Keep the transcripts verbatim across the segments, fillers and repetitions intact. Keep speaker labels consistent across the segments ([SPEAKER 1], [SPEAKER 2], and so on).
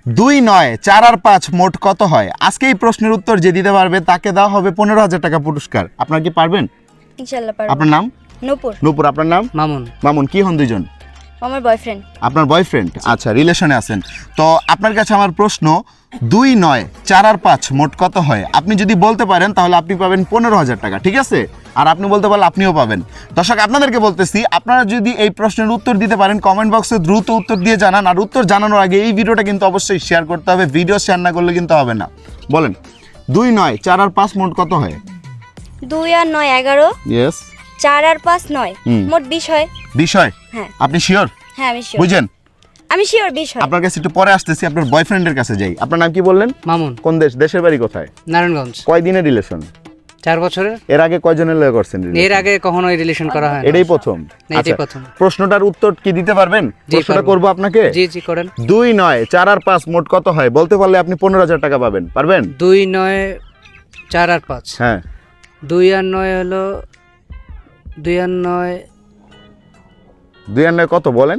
[SPEAKER 1] দুই নয় চার আর পাঁচ মোট কত হয়? আজকে এই প্রশ্নের উত্তর যে দিতে পারবে তাকে দেওয়া হবে পনেরো হাজার টাকা পুরস্কার। আপনারা কি পারবেন?
[SPEAKER 2] ইনশাআল্লাহ পারবো।
[SPEAKER 1] আপনার নাম?
[SPEAKER 2] নূপুর।
[SPEAKER 1] নূপুর। আপনার নাম?
[SPEAKER 3] মামুন।
[SPEAKER 1] মামুন। কি হন দুইজন?
[SPEAKER 2] আমার বয়ফ্রেন্ড।
[SPEAKER 1] আপনার বয়ফ্রেন্ড? আচ্ছা, রিলেশনে আছেন। তো আপনার কাছে আমার প্রশ্ন, দুই নয় চার আর পাঁচ মোট কত হয়? আপনি যদি বলতে পারেন তাহলে আপনি পাবেন পনেরো হাজার টাকা, ঠিক আছে? আর আপনি বলতে পারলে আপনিও পাবেন। দর্শক, আপনাদেরকে বলতেছি, আপনারা যদি এই প্রশ্নের উত্তর দিতে পারেন কমেন্ট বক্সে দ্রুত উত্তর দিয়ে জানান। আর উত্তর জানানোর আগে এই ভিডিওটা কিন্তু অবশ্যই শেয়ার করতে হবে। ভিডিও শেয়ার না করলে কিন্তু হবে না। বলেন, দুই নয় চার আর পাঁচ মোট কত হয়?
[SPEAKER 2] দুই আর নয় এগারো।
[SPEAKER 1] ইয়েস।
[SPEAKER 2] চার আর পাঁচ নয়, মোট বিশ হয়।
[SPEAKER 1] বিশ হয়?
[SPEAKER 2] হ্যাঁ।
[SPEAKER 1] আপনি শিওর?
[SPEAKER 2] হ্যাঁ আমি শিওর।
[SPEAKER 1] বুঝেন?
[SPEAKER 2] আমি শিওর বিশ হয়।
[SPEAKER 1] আপনার কাছে একটু পরে আসতেছি, আপনার বয়ফ্রেন্ডের কাছে যাই। আপনার নাম কি বললেন?
[SPEAKER 3] মামুন।
[SPEAKER 1] কোন দেশ? দেশের বাড়ি কোথায়?
[SPEAKER 3] নারায়ণগঞ্জ।
[SPEAKER 1] কয় দিনের রিলেশন?
[SPEAKER 3] চার বছরের।
[SPEAKER 1] এর আগে কয়জনের লয়ে করছেন relation?
[SPEAKER 3] এর আগে কখনোই রিলেশন করা হয় না।
[SPEAKER 1] এটাই প্রথম?
[SPEAKER 3] না, এটাই
[SPEAKER 1] আচ্ছা,
[SPEAKER 3] প্রথম।
[SPEAKER 1] প্রশ্নটার উত্তর কি দিতে পারবেন?
[SPEAKER 3] জি,
[SPEAKER 1] প্রশ্নটা
[SPEAKER 3] পারবো।
[SPEAKER 1] করব আপনাকে।
[SPEAKER 3] জি জি করেন।
[SPEAKER 1] দুই নয় চার আর পাঁচ মোট কত হয়? বলতে পারলে আপনি পনেরো হাজার টাকা পাবেন। পারবেন?
[SPEAKER 3] দুই নয় চার আর পাঁচ।
[SPEAKER 1] হ্যাঁ।
[SPEAKER 3] দুই আর নয় হলো দুই আর নয়
[SPEAKER 1] দুই আর নয় কত বলেন?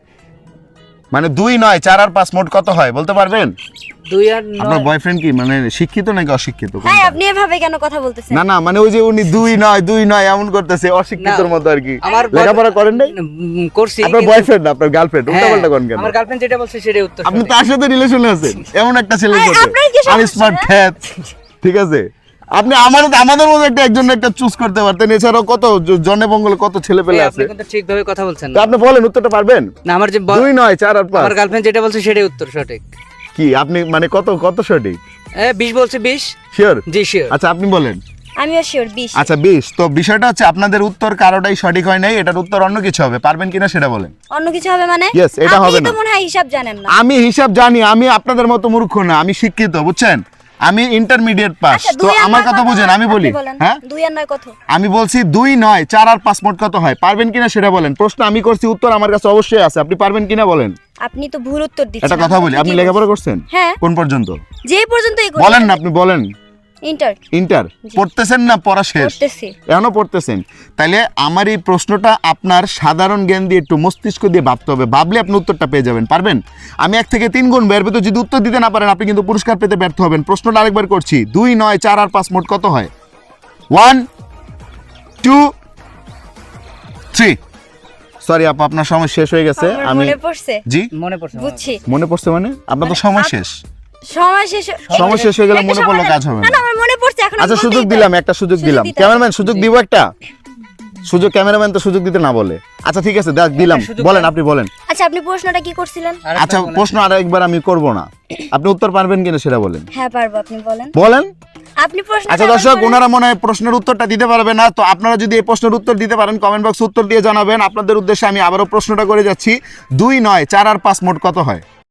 [SPEAKER 1] মানে দুই নয় চার আর পাঁচ মোট কত হয় বলতে পারবেন?
[SPEAKER 3] দুই আর
[SPEAKER 1] আপনার
[SPEAKER 3] নয়।
[SPEAKER 1] বয়ফ্রেন্ড কি মানে শিক্ষিত নাকি অশিক্ষিত?
[SPEAKER 2] হ্যাঁ, আপনি এভাবে কেন কথা বলতেছেন?
[SPEAKER 1] না না, মানে ওই যে উনি দুই নয় দুই নয় এমন করতেছে, অশিক্ষিতর
[SPEAKER 3] না,
[SPEAKER 1] মতো আর কি।
[SPEAKER 3] আমার
[SPEAKER 1] লেখাপড়া করেন নাই?
[SPEAKER 3] উম, করছি।
[SPEAKER 1] আপনার
[SPEAKER 3] কিন্তু-
[SPEAKER 1] বয়ফ্রেন্ড না আপনার গার্লফ্রেন্ড?
[SPEAKER 3] হ্যাঁ,
[SPEAKER 1] উল্টা পাল্টা করেন কেন?
[SPEAKER 3] আমার গার্লফ্রেন্ড যেটা বলছে সেটাই উত্তর।
[SPEAKER 1] আপনি
[SPEAKER 3] সঠিক।
[SPEAKER 1] তার সাথে রিলেশনে আছেন এমন একটা ছেলের
[SPEAKER 2] আরে,
[SPEAKER 1] সাথে,
[SPEAKER 2] আপনার কি সমস্যা?
[SPEAKER 1] আনস্মার্ট খ্যাত, ঠিক আছে? আপনি আমার আমাদের মধ্যে একটা একজন একটা চুজ করতে পারতেন। এছাড়াও কত জ- জনে বঙ্গলে কত ছেলে পেলে
[SPEAKER 3] এই,
[SPEAKER 1] আছে।
[SPEAKER 3] আপনি কিন্তু ঠিকভাবে কথা বলছেন
[SPEAKER 1] তো
[SPEAKER 3] না।
[SPEAKER 1] আপনি বলেন, উত্তরটা পারবেন?
[SPEAKER 3] না, আমার যে ব-
[SPEAKER 1] দুই নয় চার আর পাঁচ।
[SPEAKER 3] আমার গার্লফ্রেন্ড যেটা বলছে সেটাই উত্তর সঠিক।
[SPEAKER 1] কি আপনি মানে কত কত সঠিক?
[SPEAKER 3] এ বিশ বলছে বিশ।
[SPEAKER 1] শিওর?
[SPEAKER 3] জি শিওর।
[SPEAKER 1] আচ্ছা, আপনি বলেন।
[SPEAKER 2] আমিও শিওর বিশ।
[SPEAKER 1] আচ্ছা, বিশ। তো বিষয়টা হচ্ছে আপনাদের উত্তর কারোটাই সঠিক হয় নাই। এটার উত্তর অন্য কিছু হবে। পারবেন কিনা সেটা বলেন।
[SPEAKER 2] অন্য কিছু হবে মানে?
[SPEAKER 1] Yes, এটা হবে
[SPEAKER 2] আপনি
[SPEAKER 1] না।
[SPEAKER 2] তো মনে হয় হিসাব জানেন না।
[SPEAKER 1] আমি হিসাব জানি, আমি আপনাদের মতো মূর্খ না, আমি শিক্ষিত, বুঝছেন? আমি ইন্টারমিডিয়েট পাস।
[SPEAKER 2] আচ্ছা,
[SPEAKER 1] তো
[SPEAKER 2] দুই আর
[SPEAKER 1] আমার
[SPEAKER 2] নয়
[SPEAKER 1] কথা
[SPEAKER 2] কত?
[SPEAKER 1] বুঝেন, আমি বলি।
[SPEAKER 2] আপনি বলেন।
[SPEAKER 1] হ্যাঁ,
[SPEAKER 2] দুই আর নয় কত?
[SPEAKER 1] আমি বলছি দুই নয় চার আর পাঁচ মোট কত হয়? পারবেন কিনা সেটা বলেন। প্রশ্ন আমি করছি, উত্তর আমার কাছে অবশ্যই আছে। আপনি পারবেন কিনা বলেন।
[SPEAKER 2] আপনি তো ভুল উত্তর দিচ্ছেন।
[SPEAKER 1] একটা কথা বলি, আপনি লেখাপড়া করছেন?
[SPEAKER 2] হ্যাঁ।
[SPEAKER 1] কোন পর্যন্ত?
[SPEAKER 2] যে পর্যন্ত এই
[SPEAKER 1] বলেন না, আপনি বলেন।
[SPEAKER 2] ইন্টার
[SPEAKER 1] ইন্টার পড়তেছেন না পড়া শেষ?
[SPEAKER 2] পড়তেছি।
[SPEAKER 1] এখনো পড়তেছেন? তাইলে আমার এই প্রশ্নটা আপনার সাধারণ জ্ঞান দিয়ে একটু মস্তিষ্ক দিয়ে ভাবতে হবে। ভাবলে আপনি উত্তরটা পেয়ে যাবেন। পারবেন? আমি এক থেকে তিন গুণ বের পেতে যদি উত্তর দিতে না পারেন আপনি কিন্তু পুরস্কার পেতে ব্যর্থ হবেন। প্রশ্নটা আরেকবার করছি, দুই নয় চার আর পাঁচ মোট কত হয়? One two three. সরি আপা, আপনার সময় শেষ হয়ে গেছে।
[SPEAKER 2] আমার
[SPEAKER 1] আমি
[SPEAKER 2] মনে পড়ছে।
[SPEAKER 1] জি
[SPEAKER 3] মনে পড়ছে।
[SPEAKER 2] বুঝছি।
[SPEAKER 1] মনে পড়ছে মানে আপনার তো সময় শেষ।
[SPEAKER 2] সময় শেষ।
[SPEAKER 1] সময় শেষ হয়ে গেলে
[SPEAKER 2] একটা
[SPEAKER 1] মনে পড়লে
[SPEAKER 2] সময়-
[SPEAKER 1] কাজ হবে
[SPEAKER 2] না
[SPEAKER 1] না।
[SPEAKER 2] না, আমার মনে পড়ছে এখন।
[SPEAKER 1] আচ্ছা,
[SPEAKER 2] আমি
[SPEAKER 1] সুযোগ
[SPEAKER 2] বলতেই
[SPEAKER 1] দিলাম,
[SPEAKER 2] পারি।
[SPEAKER 1] একটা সুযোগ
[SPEAKER 2] সুযোগ
[SPEAKER 1] দিলাম।
[SPEAKER 2] দিতে
[SPEAKER 1] ক্যামেরাম্যান সুযোগ দিব একটা? সুযোগ ক্যামেরাম্যান তো সুযোগ দিতে না বলে। আচ্ছা ঠিক আছে, দেখ দিলাম।
[SPEAKER 3] সুযোগ
[SPEAKER 1] বলেন,
[SPEAKER 3] দেন।
[SPEAKER 1] আপনি বলেন।
[SPEAKER 2] আচ্ছা, আপনি প্রশ্নটা কি করছিলেন?
[SPEAKER 3] আরেকটা
[SPEAKER 1] আচ্ছা,
[SPEAKER 3] বলেন।
[SPEAKER 1] প্রশ্ন আর একবার আমি করব না। আপনি উত্তর পারবেন কিনা সেটা বলেন।
[SPEAKER 2] হ্যাঁ পারবো, আপনি বলেন।
[SPEAKER 1] বলেন।
[SPEAKER 2] আপনি প্রশ্ন।
[SPEAKER 1] আচ্ছা দর্শক, ওনারা মনে হয় প্রশ্নের উত্তরটা দিতে পারবে না। তো আপনারা যদি এই প্রশ্নের উত্তর দিতে পারেন কমেন্ট বক্সে উত্তর দিয়ে জানাবেন। আপনাদের উদ্দেশ্যে আমি আবারও প্রশ্নটা করে যাচ্ছি, দুই নয় চার আর পাঁচ মোট কত হয়?